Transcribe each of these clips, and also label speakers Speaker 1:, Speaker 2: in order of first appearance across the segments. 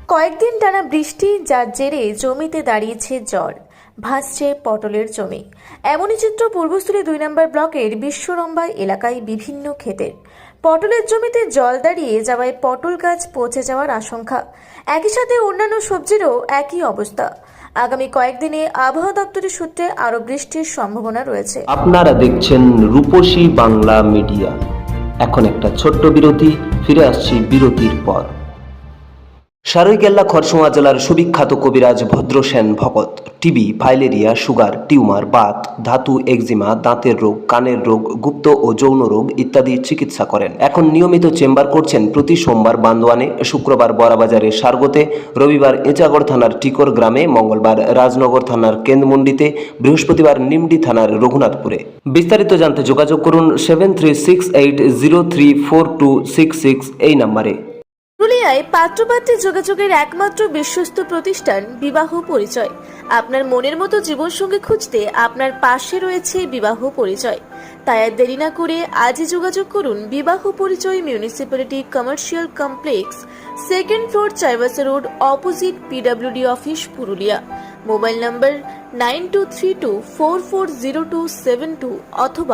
Speaker 1: কয়েকদিন টানা বৃষ্টি, যার জেরে জমিতে দাঁড়িয়েছে জল, ভাসছে পটলের জমি। এমনই চিত্র পূর্বস্থলী 2 নম্বর ব্লকের বিশ্বরম্বা এলাকায় বিভিন্ন ক্ষেতের। পটলের জমিতে জল দাঁড়িয়ে যাওয়ায় পটল গাছ পচে যাওয়ার আশঙ্কা। একই সাথে অন্যান্য সবজিরও একই অবস্থা। আগামী কয়েকদিনে আবহাওয়া দপ্তরের সূত্রে আরও বৃষ্টির সম্ভাবনা রয়েছে।
Speaker 2: আপনারা দেখছেন রূপসী বাংলা মিডিয়া। এখন একটা ছোট্ট বিরতি, ফিরে আসছি বিরতির পর। সারৈকেল্লা খরসোয়া জেলার সুবিখ্যাত কবিরাজ Bhadrasen Bhakat TB, filaria, sugar, tumour, বাত, ধাতু, একজিমা, দাঁতের রোগ, কানের রোগ, গুপ্ত ও যৌন রোগ ইত্যাদি চিকিৎসা করেন। এখন নিয়মিত চেম্বার করছেন প্রতি সোমবার বান্দোয়ানে, শুক্রবার বড়াবাজারে সারগোতে, রবিবার এঁচাগড় থানার টিকর গ্রামে, মঙ্গলবার রাজনগর থানার কেন্দ্রমন্ডিতে, বৃহস্পতিবার নিমডি থানার রঘুনাথপুরে। বিস্তারিত জানতে যোগাযোগ করুন 7368034266 এই নম্বরে।
Speaker 1: পুরুলিয়ায় পাত্রপাত্রী যোগাযোগের একমাত্র বিশ্বস্ত প্রতিষ্ঠান বিবাহ পরিচয়। আপনার মনের মতো জীবনসঙ্গী খুঁজতে আপনার পাশে রয়েছে বিবাহ পরিচয়। তাই আর দেরি না করে আজই যোগাযোগ করুন বিবাহ পরিচয়, municipality commercial complex, 2nd floor, Chaibasa road, opposite PWD office, Purulia. Mobile number 9232440272 অথবা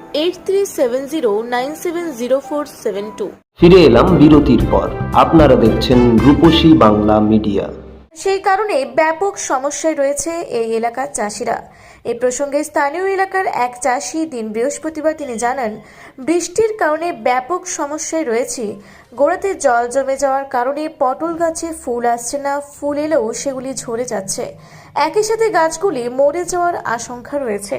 Speaker 1: 8370970472।
Speaker 2: ফিরে এলাম বিরতির পর। আপনারা দেখছেন রূপসী বাংলা মিডিয়া।
Speaker 1: সেই কারণে ব্যাপক সমস্যায় রয়েছে এই এলাকার চাষিরা। এই প্রসঙ্গে স্থানীয় এলাকার এক চাষি দিন বৃহস্পতিবার তিনি জানান, বৃষ্টির কারণে ব্যাপক সমস্যায় রয়েছে। গোড়াতে জল জমে যাওয়ার কারণে পটল গাছে ফুল আসছে না, ফুল এলেও সেগুলি ঝরে যাচ্ছে। একই সাথে গাছগুলি মরে যাওয়ার আশঙ্কা রয়েছে।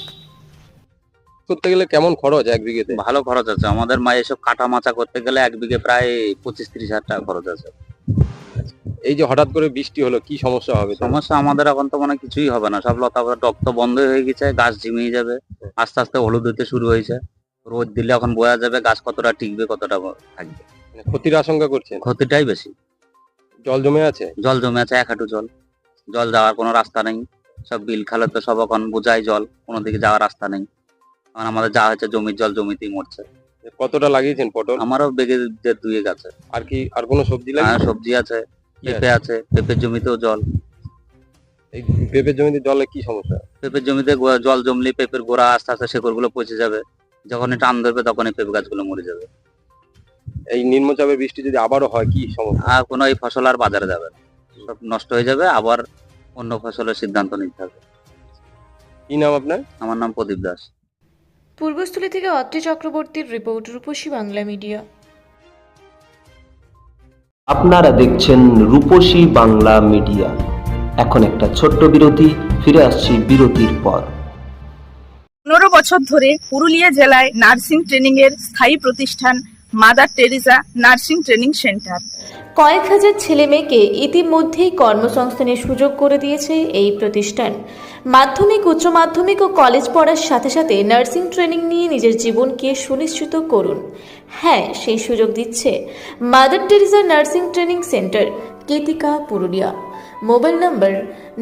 Speaker 3: করতে গেলে কেমন খরচ এক বিঘেতে?
Speaker 4: ভালো খরচ আছে আমাদের। এসব কাটা মাচা করতে গেলে এক বিঘে প্রায় 25-30 হাজার টাকা খরচ আছে।
Speaker 3: এই যে হঠাৎ করে বৃষ্টি হলো, কি সমস্যা হবে?
Speaker 4: সমস্যা আমাদের এখন তো কিছুই হবে না, সব লতা টক তো বন্ধ হয়ে গেছে, গাছ ঝিমিয়ে যাবে, আস্তে আস্তে হলুদ হতে শুরু হয়েছে। রোদ দিলে এখন বোঝা যাবে গাছ কতটা টিকবে, কতটা থাকবে।
Speaker 3: ক্ষতির আশঙ্কা করছেন?
Speaker 4: ক্ষতিটাই বেশি।
Speaker 3: জল জমে আছে?
Speaker 4: জল জমে আছে, 1 হাঁটু জল। জল যাওয়ার কোনো রাস্তা নেই। সব বিল খালে তো সব এখন বোঝাই জল, কোনো দিকে যাওয়ার রাস্তা নেই। এখন আমাদের যা হচ্ছে জমির জল জমিতেই মরছে।
Speaker 3: কতটা লাগিয়েছেন পটল?
Speaker 4: আমারও বেগে 1.5 আছে।
Speaker 3: আর কি আর কোনো সবজি লাগে?
Speaker 4: সবজি আছে, পেঁপে আছে, পেঁপের জমিতেও জল।
Speaker 3: এই পেঁপের জমিতে জলে কি সমস্যা?
Speaker 4: পেঁপের জমিতে জল জমলে পেঁপের গোড়া আস্তে আস্তে শেকড় গুলো পচে যাবে, যখনই টান ধরবে তখনই পেঁপে গাছগুলো মরে যাবে।
Speaker 3: এই নিম্নচাপের বৃষ্টি যদি আবারও হয় কি সমস্যা?
Speaker 4: আর কোনো এই ফসল আর বাজারে যাবে না, সব নষ্ট হয়ে যাবে, আবার অন্য ফসলের সিদ্ধান্ত নিতে হবে।
Speaker 3: কি নাম আপনার?
Speaker 4: আমার নাম প্রদীপ দাস।
Speaker 1: পূর্বস্থলী থেকে অত্রি চক্রবর্তীর রিপোর্ট, রূপসী বাংলা মিডিয়া।
Speaker 2: আপনারা দেখছেন রূপসী বাংলা মিডিয়া। এখন একটা ছোট্ট বিরতি, ফিরে আসছি বিরতির পর।
Speaker 5: 15 বছর ধরে পুরুলিয়া জেলায় নার্সিং ট্রেনিং এর স্থায়ী প্রতিষ্ঠান mother Teresa nursing training centre.
Speaker 1: কয়েক হাজার ছেলে মেয়েকে ইতিমধ্যেই কর্মসংস্থানের সুযোগ করে দিয়েছে এই প্রতিষ্ঠান। মাধ্যমিক, উচ্চ মাধ্যমিক ও কলেজ পড়ার সাথে সাথে নার্সিং ট্রেনিং নিয়ে নিজের জীবনকে সুনিশ্চিত করুন। হ্যাঁ, সেই সুযোগ দিচ্ছে mother Teresa nursing training centre, Ketika, Purulia. Mobile number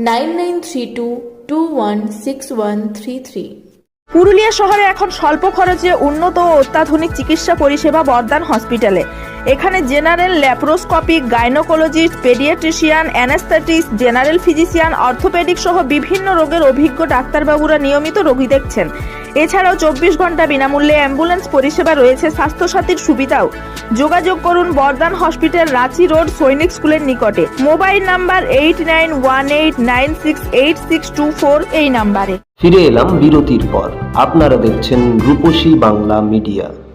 Speaker 1: 9932216133।
Speaker 5: Purulia শহরে এখন স্বল্প খরচে উন্নত ও অত্যাধুনিক চিকিৎসা পরিষেবা বর্ধমান হসপিটালে। এখানে general, laparoscopic, gynaecologist, paediatrician, anaesthetist, general physician, orthopaedic সহ বিভিন্ন রোগের অভিজ্ঞ ডাক্তারবাবুরা নিয়মিত রোগী দেখছেন। এছাড়াও 24 ঘন্টা বিনামূল্যে অ্যাম্বুলেন্স পরিষেবা রয়েছে, স্বাস্থ্যসাথীর সুবিধাও। যোগাযোগ করুন বর্ধমান হসপিটাল, রাঁচি রোড, সৈনিক স্কুলের নিকটে। মোবাইল নাম্বার 8918968624 এই নাম্বারে।
Speaker 2: ফিরে এলাম বিরতির পর। আপনারা দেখছেন রূপসী বাংলা মিডিয়া।